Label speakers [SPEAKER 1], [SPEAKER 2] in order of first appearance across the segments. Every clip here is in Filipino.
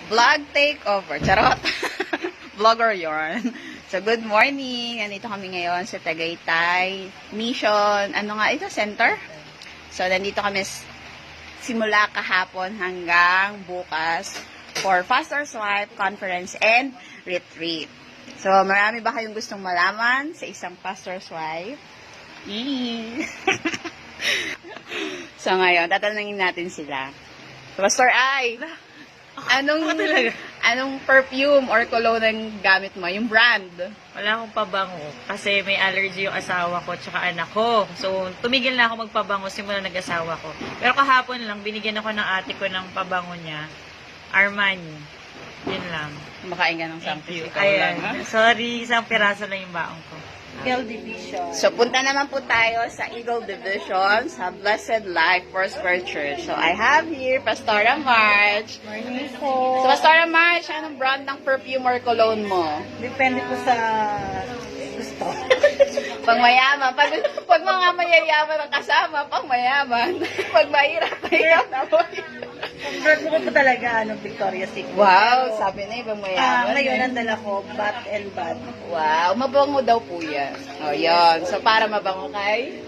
[SPEAKER 1] Vlog takeover. Charot. Vlogger yarn. So, good morning. Nandito kami ngayon sa Tagaytay Mission. Ano nga ito? Center? So, nandito kami simula kahapon hanggang bukas for Faster Swipe Conference and Retreat. So, marami ba kayong gustong malaman sa isang Faster Swipe? So, ngayon, tatanungin natin sila. Pastor Ai, anong perfume or cologne ang gamit mo? Yung brand?
[SPEAKER 2] Wala akong pabango kasi may allergy yung asawa ko tsaka anak ko. So, tumigil na ako magpabango simula nag-asawa ko. Pero kahapon lang, binigyan ako ng ate ko ng pabango niya. Armani. Yun lang.
[SPEAKER 1] Makain ka ng
[SPEAKER 2] Thank you.
[SPEAKER 1] ikaw lang, ha?
[SPEAKER 2] Ayan. Sorry, isang piraso lang yung baong ko.
[SPEAKER 3] Eagle Division.
[SPEAKER 1] So, punta naman po tayo sa Eagle Division sa Blessed Life Foursquare Church. So, I have here Pastora March.
[SPEAKER 3] Morning po.
[SPEAKER 1] So, Pastora March, anong brand ng perfume or cologne mo?
[SPEAKER 3] Depende po sa gusto.
[SPEAKER 1] Pang mayaman. Pag mga mayayaman ang kasama, pang mayaman. Pag mahirap na po.
[SPEAKER 3] Ang brand ko po talaga, Victoria's Secret.
[SPEAKER 1] Wow, sabi na ibang mayaman.
[SPEAKER 3] Ngayon, ang dala ko, Bath and Body.
[SPEAKER 1] Wow, mabango daw po yan. O, yun. So, para mabango kay?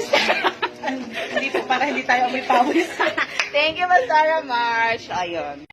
[SPEAKER 3] Hindi po, para hindi tayo may pawis.
[SPEAKER 1] Thank you, Pastora March. Ayun.